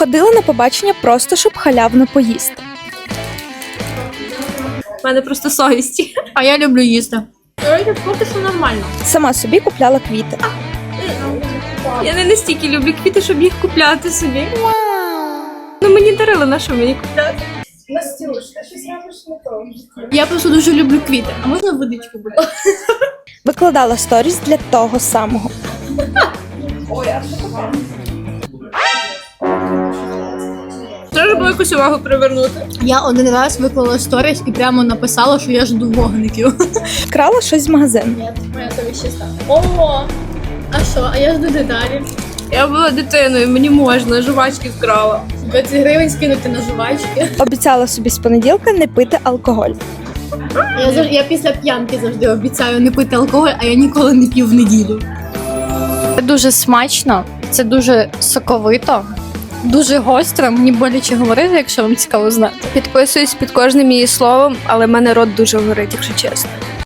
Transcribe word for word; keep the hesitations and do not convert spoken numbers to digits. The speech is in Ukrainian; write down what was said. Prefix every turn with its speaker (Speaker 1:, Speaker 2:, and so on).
Speaker 1: Ходила на побачення просто, щоб халявно поїсти.
Speaker 2: У мене просто совість.
Speaker 3: А я люблю їсти.
Speaker 2: Я поки що нормально.
Speaker 1: Сама собі купляла квіти.
Speaker 2: Я не настільки люблю квіти, щоб їх купляти собі. Ну мені дарили, на що мені купляти?
Speaker 4: Настюш, ти щось робиш не то.
Speaker 3: Я просто дуже люблю квіти. А можна водичку буде?
Speaker 1: Викладала сторіс для того самого.
Speaker 4: Ой, а що таке?
Speaker 2: Треба було якусь увагу привернути.
Speaker 3: Я один раз виклала сторіс і прямо написала, що я жду вогників.
Speaker 1: Вкрала щось з магазину.
Speaker 3: Ні, моя совість чиста. О, а що? А я жду деталі.
Speaker 2: Я була дитиною, мені можна, жувачки вкрала.
Speaker 3: двадцять гривень скинути на жувачки.
Speaker 1: Обіцяла собі з понеділка не пити алкоголь.
Speaker 3: Я, зав- я після п'янки завжди обіцяю не пити алкоголь, а я ніколи не п'ю в неділю.
Speaker 5: Це дуже смачно, це дуже соковито, дуже гостро. Мені боляче говорити, якщо вам цікаво знати.
Speaker 2: Підписуюсь під кожним її словом, але в мене рот дуже горить, якщо чесно.